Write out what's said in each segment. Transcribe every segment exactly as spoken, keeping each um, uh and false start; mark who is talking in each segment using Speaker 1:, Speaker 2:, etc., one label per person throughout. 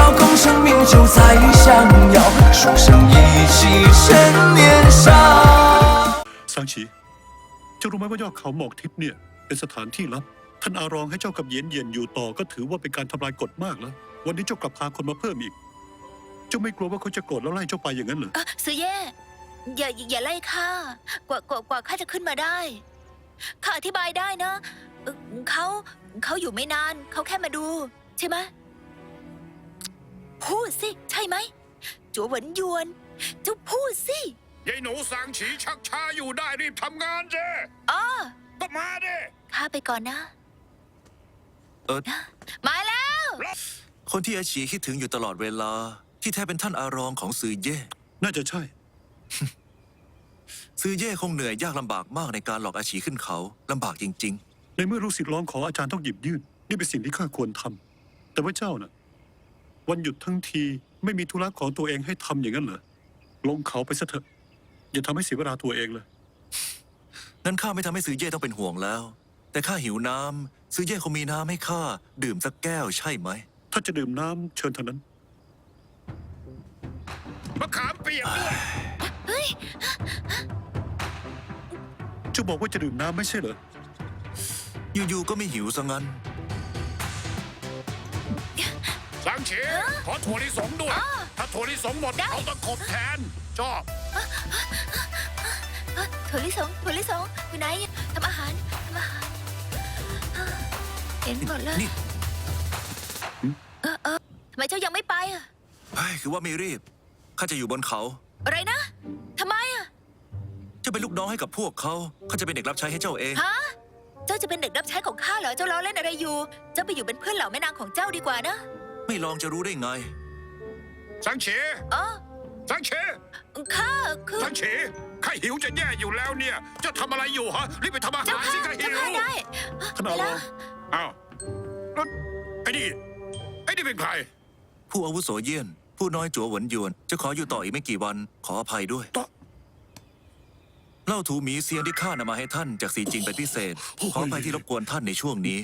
Speaker 1: 空生命就在相邀，书生意气趁年少。
Speaker 2: สังฉีเจ้ารู้ไหมว่ายอดเขาหมอกทิพย์เนี่ยเป็นสถานที่ลับท่านอารองให้เจ้ากับเย็นเย็นอยู่ต่อก็ถือว่าเป็นการทำลายกฎมากแล้ววันนี้เจ้ากลับพาคนมาเพิ่มอีกเจ้าไม่กลัวว่าเขาจะโกรธแล้วไล่เจ้าไปอย่างนั้นเหรอ
Speaker 3: ซื้อเย่อย่าอย่าไล่ข้ากว่ากว่ากว่าข้าจะขึ้นมาได้ข้าอธิบายได้นะเขาเขาอยู่ไม่นานเขาแค่มาดูใช่ไหมพูดสิใช่ไหมจัวหวนยวนเจ้าพูดสิ
Speaker 4: ยายหนูสางฉีชักช้าอยู่ได้รีบทำงานเจ้
Speaker 3: อ๋อ
Speaker 4: ก็มาเด้
Speaker 3: ข้าไปก่อนนะ
Speaker 5: เออ
Speaker 3: มาแล้ว
Speaker 5: คนที่อาชีคิดถึงอยู่ตลอดเวลาที่แท้เป็นท่านอารองของซือเย่
Speaker 2: น่าจะใช่
Speaker 5: ซือเย่คงเหนื่อยยากลำบากมากในการหลอกอาชีขึ้นเขาลำบากจริง
Speaker 2: ๆในเมื่อลูกศิษย์ร้องขออาจารย์ต้องหยิบยื่นนี่เป็นสิ่งที่ข้าควรทำแต่ว่าเจ้าน่ะวันหยุดทั้งทีไม่มีธุระของตัวเองให้ทำอย่างนั้นเหรอลงเขาไปซะเถอะอย่าทำให้เสียเวลาตัวเองเลย
Speaker 5: นั้นข้าไม่ทำให้ซือเย่ต้องเป็นห่วงแล้วแต่ข้าหิวน้ำซือเย่คงมีน้ำให้ข้าดื่มสักแก้วใช่ไหม
Speaker 2: ถ้าจะดื่มน้ำเชิญเท่านั้น
Speaker 4: มะขามเปียกด้วย
Speaker 3: เฮ้ย
Speaker 2: เจ้าบอกว่าจะดื่มน้ำไม่ใช่เหรอ
Speaker 5: อยู่ๆก็ไม่หิวซะงั้น
Speaker 4: สังเฉขอถั่วลิสงด้วยถ้าถั่วลิสงหมดเอาตะขบแทนชอบ
Speaker 3: ถั่วลิสงถั่วลิสงอยู่ไหนทำอาหารทำอาหารเห็นหมดเลยเออเออทำไมเจ้ายังไม่ไปอ่ะ
Speaker 5: คือว่าไม่รีบข้าจะอยู่บนเขา
Speaker 3: อะไรนะทำไมอ่ะ
Speaker 5: เจ้าเป็นลูกน้องให้กับพวกเขาข้าจะเป็นเด็กรับใช้ให้เจ้าเอง
Speaker 3: ฮะเจ้าจะเป็นเด็กรับใช้ของข้าเหรอเจ้าล้อเล่นอะไรอยู่เจ้าไปอยู่เป็นเพื่อนเหล่าแม่นางของเจ้าดีกว่านะ
Speaker 5: ไม่ลองจะรู้ได้ไง
Speaker 4: สังเฉ
Speaker 3: อ๋อ
Speaker 4: สังเฉ
Speaker 3: ข้าคือ
Speaker 4: สังเฉข้าหิวจะแย่อยู่แล้วเนี่ยจะทำอะไรอยู่ฮะรีบไปทำอาหารสิข้าหิว
Speaker 3: ได้
Speaker 2: ท่านอารอง
Speaker 4: อ้าวไอ้นี่ไอ้นี่เป็นใคร
Speaker 5: ผู้อาวุโสเยี่ยนผู้น้อยจัวหวนยวนจะขออยู่ต่ออีกไม่กี่วันขออภัยด้วยเล่าถูหมีเซียนที่ข้านำมาให้ท่านจากสีจริงเป็นพิเศษขออภัยที่รบกวนท่านในช่วงนี้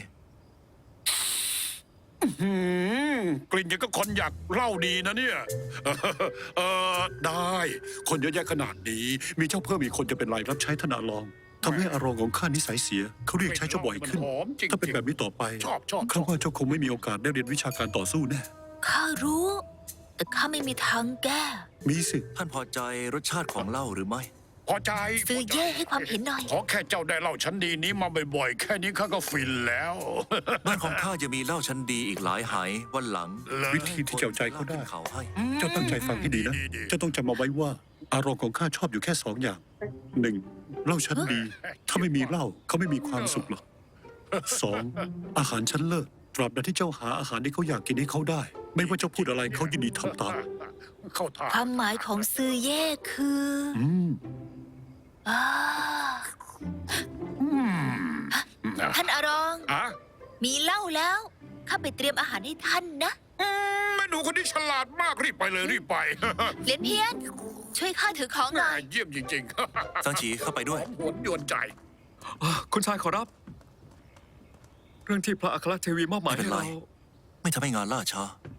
Speaker 4: กลิ่นยังก็คนอยากเล่าดีนะเนี่ยเออได้คนเยอะแยะขนาดนี้
Speaker 2: มีเจ้าเพิ่มอีกคนจะเป็นไรรับใช้ท่านอารองทำให้อารองของข้านิสัยเสียเขาเรียกใช้เจ้าบ่อยขึ้นถ้าเป็นแบบนี้ต่อไปข้าว่าเจ้าคงไม่มีโอกาสได้เรียนวิชาการต่อสู้แน่
Speaker 3: ข้ารู้แต่ข้าไม่มีทางแก้
Speaker 2: มีสิ
Speaker 5: ท่านพอใจรสชาติของเหล้าหรือไม่
Speaker 4: พอใจ
Speaker 3: ซื้อเย่ให้ความเห็นหน่อย
Speaker 4: ขอแค่เจ้าได้เหล้าชั้นดีนี้มาบ่อยๆแค่นี้ข้าก็ฟินแล้ว
Speaker 5: บ้านของข้าจะมีเหล้าชั้นดีอีกหลายหายวันหลัง
Speaker 2: วิธีที่เจ้าใจเขาได้เจ้าตั้งใจฟังให้ดีนะเจ้าต้องจำเอาไว้ว่าอารมณ์ของข้าชอบอยู่แค่สองอย่างหนึ่งเหล้าชั้นดีถ้าไม่มีเหล้าเขาไม่มีความสุขหรอกสองอาหารชั้นเลิศตราบใดที่เจ้าหาอาหารที่เขาอยากกินให้เขาได้ไม่ว่าเจ้าพูดอะไรเขายินดีทำตาม
Speaker 3: ความหมายของซื้อเย่คือ
Speaker 2: อืม
Speaker 3: ท่านอารองมีเหล้าแล้วข้าไปเตรียมอาหารให้ท่านนะ
Speaker 4: แม่หนูคนนี้ฉลาดมากรีบไปเลยรีบไป
Speaker 3: เหรียญเพี้ยนช่วยข้าถือของหน่อย
Speaker 4: เยี่ยมจริง
Speaker 5: ๆสังฉีเข้าไปด้วย
Speaker 4: หวนยวนใจ
Speaker 6: คุณชายขอรับเรื่องที่พระอัครเทวีมอบหมายให้เรา
Speaker 5: ไม่ทำให้งานล่าช้า